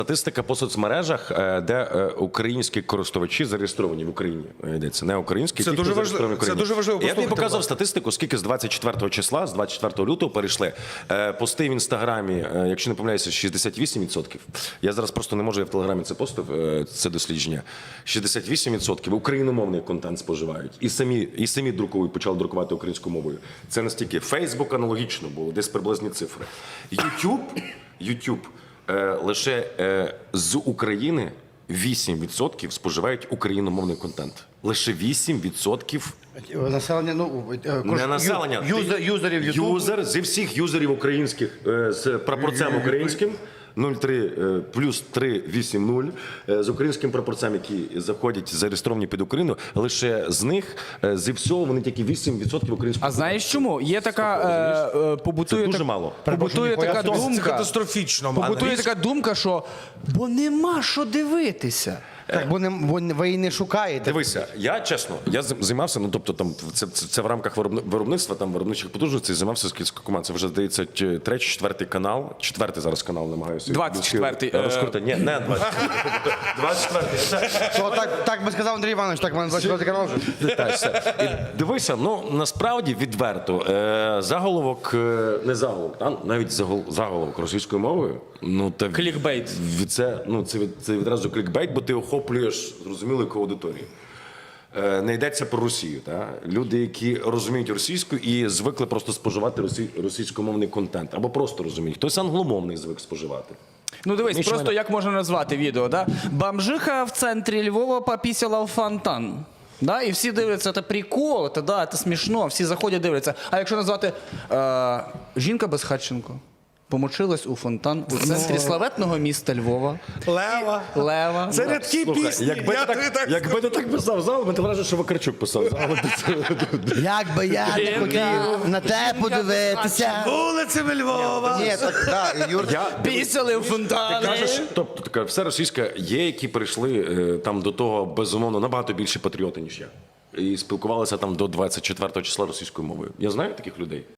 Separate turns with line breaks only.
Статистика по соцмережах, де українські користувачі зареєстровані в Україні. Йдеться не українські,
це дуже важливо. Це дуже важливо.
Я тобі показав статистику, скільки з 24 числа, з 24 лютого перейшли. Пости в Інстаграмі, якщо не помиляюся, 68%. Я зараз просто не можу, я в Телеграмі це постив, це дослідження. 68% україномовний контент споживають. І самі друкують, почали друкувати українською мовою. Це настільки. Фейсбук аналогічно було, десь приблизні цифри. YouTube лише з України 8% споживають україномовний контент. Лише 8%.
Населення,
Не населення.
Юзерів Ютубу.
Юзер, зі всіх юзерів українських з прапорцем українським. 0,3 плюс 3,8,0 з українським прапорцем, які заходять зареєстровані під Україну, лише з них, зі всього, вони тільки 8% українського.
А знаєш чому? Є така побутує
дуже мало.
Побутує така
Це
думка.
катастрофічно.
Побутує така думка, що бо нема що дивитися.
Так, бо ви її не шукаєте.
Дивися, я чесно, я займався, ну тобто там це в рамках виробництва, там виробничих потужностей, займався з кілька команд. Це вже здається третій, четвертий канал, четвертий зараз канал намагаюся.
24-й.
Розкрути. Ні, не 24-й.
Так би сказав Андрій Іванович, так в мене 24 канал вже.
Дивися, ну насправді відверто заголовок, не заголовок, навіть заголовок російською мовою. Ну та
Клікбейт.
Це відразу клікбейт, бо ти охоплюєш зрозумілу яку аудиторію. Не йдеться про Росію. Люди, які розуміють російську і звикли просто споживати російськомовний контент. Або просто розуміють. Хтось англомовний звик споживати.
Ну дивись, просто як можна назвати відео, да? Бомжиха в центрі Львова попісила в фонтан. Да? І всі дивляться, це прикол, це смішно, всі заходять, дивляться. А якщо назвати жінка Безхатченко помочилась у фонтан у центрі славетного міста Львова. Лева.
Це рядки пісні.
Якби ти так писав зал, мене вражає, що Вакарчук писав зал.
Як би я не хотів на те подивитися.
Вулицями Львова.
Ні, так, Юр.
Пісяли в
Ти
фонтани.
кажеш, тобто така все російська, є, які прийшли там до того, безумовно, набагато більше патріоти, ніж я. І спілкувалися там до 24 числа російською мовою. Я знаю таких людей.